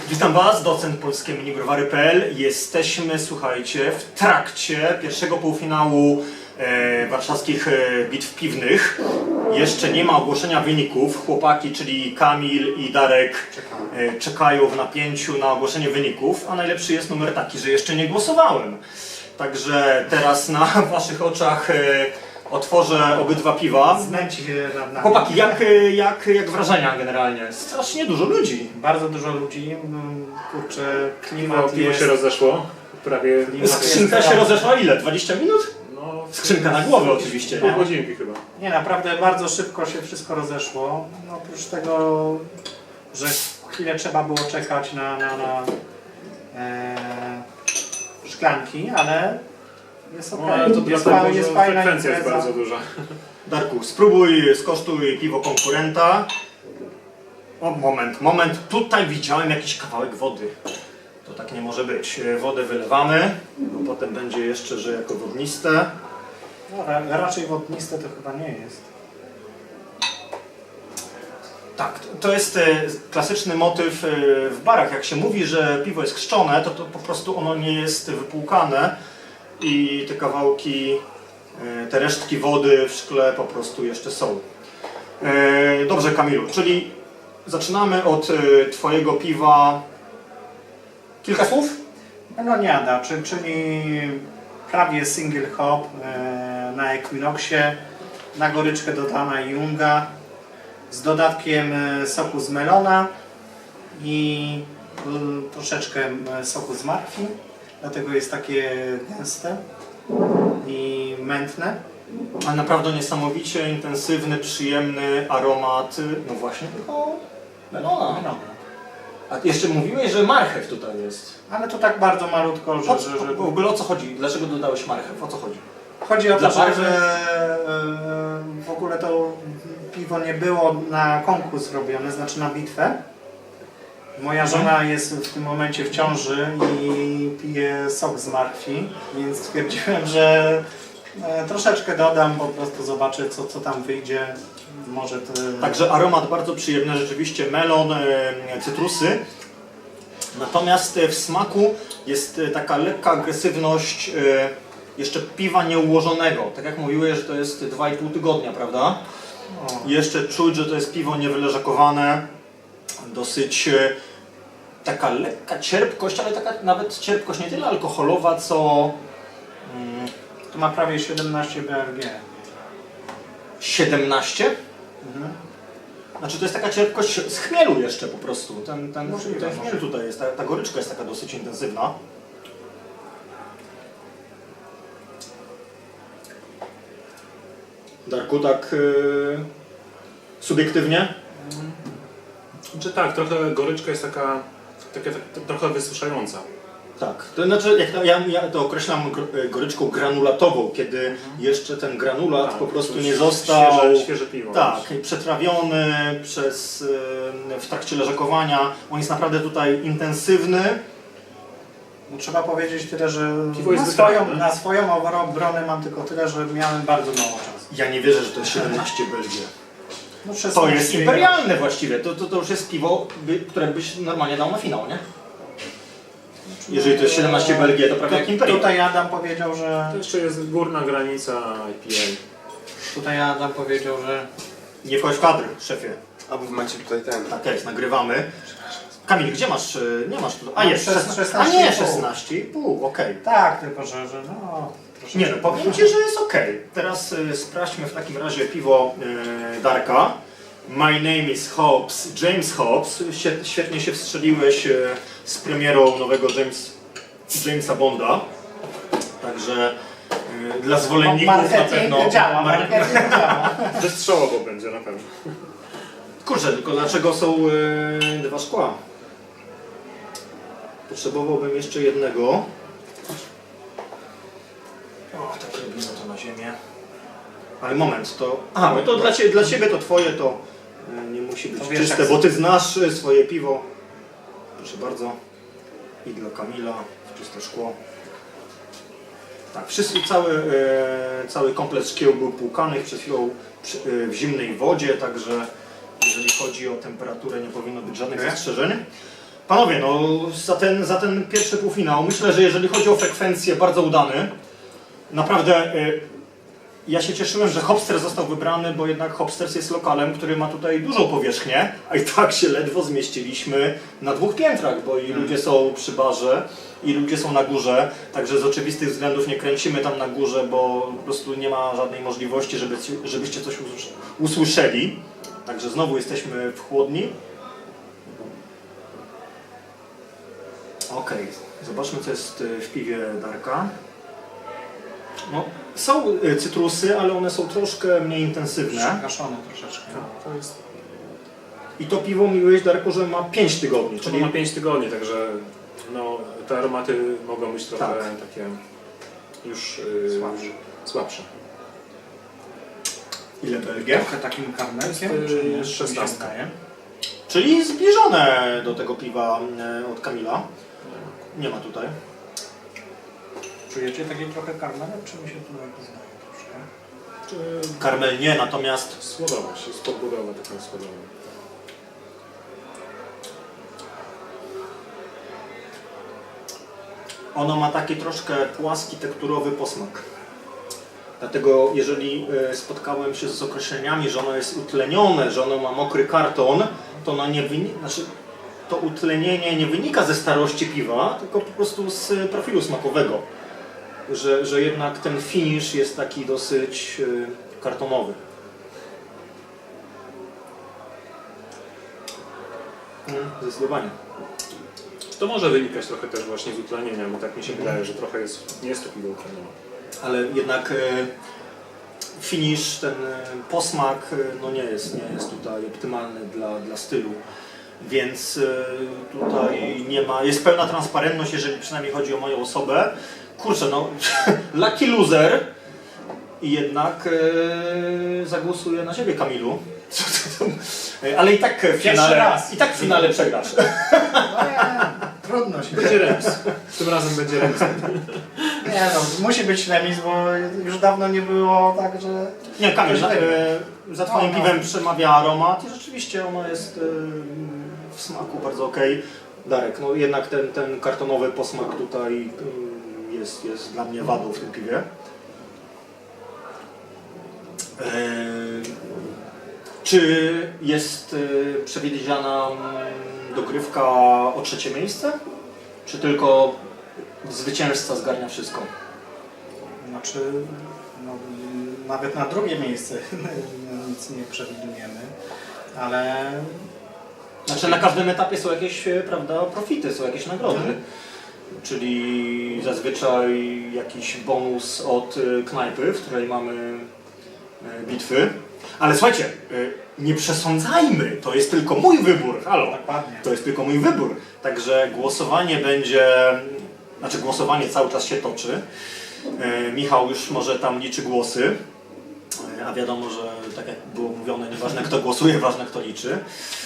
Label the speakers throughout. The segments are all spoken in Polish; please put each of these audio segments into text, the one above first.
Speaker 1: Witam Was, docent polskie minibrowary.pl. Jesteśmy, słuchajcie, w trakcie pierwszego półfinału warszawskich bitw piwnych. Jeszcze nie ma ogłoszenia wyników. Chłopaki, czyli Kamil i Darek, czekają w napięciu na ogłoszenie wyników. A najlepszy jest numer taki, że jeszcze nie głosowałem. Także teraz na Waszych oczach otworzę obydwa piwa.
Speaker 2: Znęci się nad nami.
Speaker 1: Chłopaki, jak wrażenia generalnie? Strasznie dużo ludzi.
Speaker 2: Bardzo dużo ludzi. Kurczę, klimat
Speaker 3: Piwo
Speaker 2: jest...
Speaker 3: się rozeszło. Prawie
Speaker 1: Skrzynka się rozeszła ile? 20 minut?
Speaker 3: no,
Speaker 1: Skrzynka na głowę oczywiście.
Speaker 3: pół
Speaker 1: Nie?
Speaker 3: godzinki chyba.
Speaker 2: Nie, naprawdę bardzo szybko się wszystko rozeszło. No, oprócz tego, że chwilę trzeba było czekać na szklanki, ale jest ok.
Speaker 3: No, ale to
Speaker 2: jest,
Speaker 3: dlatego,
Speaker 2: jest
Speaker 3: że
Speaker 2: fajna
Speaker 3: frekwencja jest
Speaker 2: impreza.
Speaker 3: bardzo duża.
Speaker 1: Darku, spróbuj, skosztuj piwo konkurenta. O, moment. Tutaj widziałem jakiś kawałek wody. To tak nie może być. Wodę wylewamy, bo potem będzie jeszcze, że jako wodniste.
Speaker 2: No, raczej wodniste to chyba nie jest.
Speaker 1: Tak, to jest klasyczny motyw w barach. Jak się mówi, że piwo jest chrzczone, to po prostu ono nie jest wypłukane i te kawałki, te resztki wody w szkle po prostu jeszcze są. Dobrze, Kamilu, czyli zaczynamy od Twojego piwa. Kilka słów?
Speaker 2: Meloniada, czyli prawie single hop na Equinoxie, na goryczkę dodana Junga z dodatkiem soku z melona i troszeczkę soku z martwi, dlatego jest takie gęste i mętne.
Speaker 1: A naprawdę niesamowicie intensywny, przyjemny aromat, no właśnie tylko melona.
Speaker 2: Melona.
Speaker 1: A jeszcze mówiłeś, że marchew tutaj jest.
Speaker 2: Ale to tak bardzo malutko, że
Speaker 1: W ogóle o co chodzi? Dlaczego dodałeś marchew? O co chodzi?
Speaker 2: chodzi o
Speaker 1: Dla
Speaker 2: to, że
Speaker 1: barwy?
Speaker 2: w ogóle to piwo nie było na konkurs robione, znaczy na bitwę. Moja żona jest w tym momencie w ciąży i pije sok z martwi, więc stwierdziłem, że troszeczkę dodam, po prostu zobaczę co tam wyjdzie. Może to...
Speaker 1: Także aromat bardzo przyjemny, rzeczywiście melon, cytrusy. Natomiast w smaku jest taka lekka agresywność jeszcze piwa nieułożonego. Tak jak mówiłeś, że to jest 2,5 tygodnia, prawda?
Speaker 2: O.
Speaker 1: Jeszcze czuć, że to jest piwo niewyleżakowane. Dosyć taka lekka cierpkość, ale taka nawet cierpkość nie tyle alkoholowa, co
Speaker 2: To ma prawie 17 BRG.
Speaker 1: 17.
Speaker 2: Mhm.
Speaker 1: Znaczy to jest taka cierpkość z chmielu jeszcze po prostu. Ten
Speaker 2: Możliwe,
Speaker 1: chmiel tutaj jest, ta goryczka jest taka dosyć intensywna. Darku, tak subiektywnie?
Speaker 3: Czy tak, trochę goryczka jest taka trochę wysuszająca.
Speaker 1: Tak. To znaczy, ja to określam goryczką granulatową, kiedy jeszcze ten granulat
Speaker 3: Tak,
Speaker 1: po prostu
Speaker 3: to
Speaker 1: nie został
Speaker 3: świeże piwo.
Speaker 1: tak, przetrawiony w trakcie leżakowania. On jest naprawdę tutaj intensywny.
Speaker 2: No, trzeba powiedzieć tyle, że
Speaker 3: Piwo jest
Speaker 2: na
Speaker 3: wytrawne.
Speaker 2: swoją obronę mam tylko tyle, że miałem bardzo mało czasu.
Speaker 1: Ja nie wierzę, że to jest 17 Belgię.
Speaker 2: No,
Speaker 1: To
Speaker 2: 16
Speaker 1: jest imperialne właściwie. To już jest piwo, które byś normalnie dał na finał, nie? Jeżeli to jest 17 Belgię, to prawie jak imperium.
Speaker 2: Tutaj Adam powiedział, że...
Speaker 3: To jeszcze jest górna granica IPA.
Speaker 2: Tutaj Adam powiedział, że...
Speaker 1: Nie wchodź w kadr, szefie.
Speaker 4: A wy macie tutaj ten.
Speaker 1: Tak jest, nagrywamy. Kamil, gdzie masz? Nie masz tu. A
Speaker 2: Mam
Speaker 1: jest
Speaker 2: 16,5.
Speaker 1: A nie, 16,5, okej.
Speaker 2: Tak, tylko że no... troszeczkę-
Speaker 1: Nie no, powiem Ci, że jest okej. Teraz sprawdźmy w takim razie piwo Darka. My name is Hobbs, James Hobbs. Świetnie się wstrzeliłeś z premierą nowego Jamesa Bonda. Także dla zwolenników na
Speaker 2: Marketing
Speaker 1: pewno...
Speaker 2: działa, marketing działa.
Speaker 3: Wystrzałowo będzie na pewno.
Speaker 1: Kurczę, tylko dlaczego są dwa szkła? Potrzebowałbym jeszcze jednego. O, tak robimy to na ziemię. Ale moment, to... Aha, bo to dla Ciebie to Twoje to nie musi być
Speaker 2: To wiesz,
Speaker 1: czyste,
Speaker 2: jak
Speaker 1: bo Ty znasz swoje piwo. Proszę bardzo. I dla Kamila w czyste szkło. Tak, cały komplet szkieł był płukanych przed chwilą w zimnej wodzie, także jeżeli chodzi o temperaturę nie powinno być żadnych zastrzeżeń. Panowie, no za ten pierwszy półfinał myślę, że jeżeli chodzi o frekwencję, bardzo udany. Naprawdę ja się cieszyłem, że Hopsters został wybrany, bo jednak Hopsters jest lokalem, który ma tutaj dużą powierzchnię, a i tak się ledwo zmieściliśmy na 2 piętrach, bo i ludzie są przy barze, i ludzie są na górze, także z oczywistych względów nie kręcimy tam na górze, bo po prostu nie ma żadnej możliwości, żebyście coś usłyszeli. Także znowu jesteśmy w chłodni. Okej, zobaczmy co jest w piwie Darka. No, są cytrusy, ale one są troszkę mniej intensywne.
Speaker 2: Przegaszone troszeczkę.
Speaker 3: To jest...
Speaker 1: I to piwo mówiłeś, Darku, że ma 5 tygodni.
Speaker 3: Czyli ma 5 tygodni, także no, te aromaty mogą być trochę
Speaker 1: Tak.
Speaker 3: takie już
Speaker 2: Słabsze.
Speaker 3: słabsze.
Speaker 1: Ile Belgia?
Speaker 2: Trochę takim karmelkiem,
Speaker 3: Jest,
Speaker 2: czy nie?
Speaker 3: 16.
Speaker 1: Czyli zbliżone do tego piwa od Kamila. Nie ma tutaj.
Speaker 2: Czujecie taki trochę karmelek, czy mi się tutaj poznaje troszkę?
Speaker 1: Karmel nie, natomiast
Speaker 3: Słodowość, jest podbudowa taka słodowa.
Speaker 1: ono ma taki troszkę płaski, tekturowy posmak. Dlatego jeżeli spotkałem się z określeniami, że ono jest utlenione, że ono ma mokry karton, to ono nie wynika, znaczy to utlenienie nie wynika ze starości piwa, tylko po prostu z profilu smakowego. Że jednak ten finish jest taki dosyć kartonowy. Zdecydowanie.
Speaker 3: To może wynikać trochę też właśnie z utlenienia, bo tak mi się wydaje, że trochę jest, nie jest to piwo utlenione.
Speaker 1: Ale jednak finish, ten posmak no nie jest tutaj optymalny dla stylu. Więc tutaj nie ma, jest pełna transparentność, jeżeli przynajmniej chodzi o moją osobę. Kurczę, no lucky loser i jednak zagłosuję na ciebie, Kamilu. Ale i tak w finale,
Speaker 2: raz.
Speaker 1: i tak w finale przegrasz.
Speaker 2: No nie, trudno się.
Speaker 3: Będzie remis. Tym razem będzie remis.
Speaker 2: Nie no, musi być remis, bo już dawno nie było tak, że...
Speaker 1: Nie, Kamil, za twoim
Speaker 2: No.
Speaker 1: piwem przemawia aromat i rzeczywiście ono jest w smaku bardzo okej. Darek, no jednak ten kartonowy posmak tutaj jest dla mnie wadą w tym piwie. Czy jest przewidziana dogrywka o 3. miejsce? Czy tylko zwycięzca zgarnia wszystko?
Speaker 2: Znaczy, no, nawet na 2. miejsce nic nie przewidujemy, ale...
Speaker 1: Znaczy na każdym etapie są jakieś, prawda, profity, są jakieś nagrody. Czyli zazwyczaj jakiś bonus od knajpy, w której mamy bitwy. Ale słuchajcie, nie przesądzajmy, to jest tylko mój wybór, halo.
Speaker 2: Dokładnie.
Speaker 1: To jest tylko mój wybór. Także głosowanie będzie, znaczy głosowanie cały czas się toczy. Michał już może tam liczy głosy, a wiadomo, że tak jak było mówione, nieważne kto głosuje, ważne kto liczy.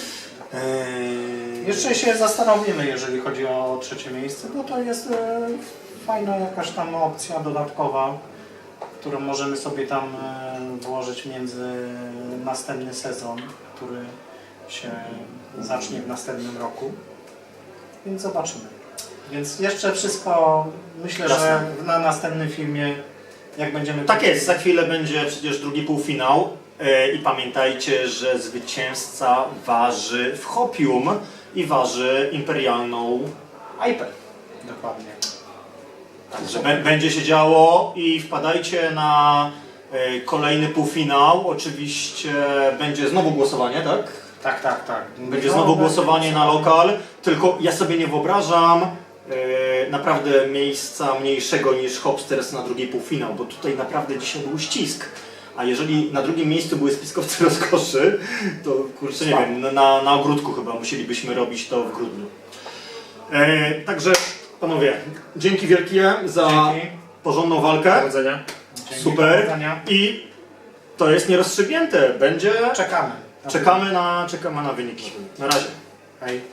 Speaker 2: Jeszcze się zastanowimy, jeżeli chodzi o 3. miejsce, bo to jest fajna jakaś tam opcja dodatkowa, którą możemy sobie tam włożyć między następny sezon, który się zacznie w następnym roku. Więc zobaczymy. Więc jeszcze wszystko, myślę,
Speaker 1: Jasne.
Speaker 2: że na następnym filmie, jak będziemy...
Speaker 1: Tak jest, za chwilę będzie przecież drugi półfinał i pamiętajcie, że zwycięzca waży w Hopium i waży imperialną IPę.
Speaker 2: Dokładnie.
Speaker 1: Także będzie się działo i wpadajcie na kolejny półfinał. Oczywiście będzie znowu głosowanie, tak?
Speaker 2: Tak.
Speaker 1: Będzie znowu głosowanie na lokal, tylko ja sobie nie wyobrażam naprawdę miejsca mniejszego niż Hopsters na drugi półfinał, bo tutaj naprawdę dzisiaj był ścisk. A jeżeli na drugim miejscu były spiskowcy rozkoszy, to kurczę nie wiem, na ogródku chyba musielibyśmy robić to w grudniu. Także panowie, dzięki wielkie za porządną walkę.
Speaker 3: Powodzenia.
Speaker 2: Dzięki,
Speaker 1: Super.
Speaker 2: powodzenia.
Speaker 1: I to jest nierozstrzygnięte. Będzie.
Speaker 2: Czekamy.
Speaker 1: Czekamy na wyniki. Na razie.
Speaker 2: Hej.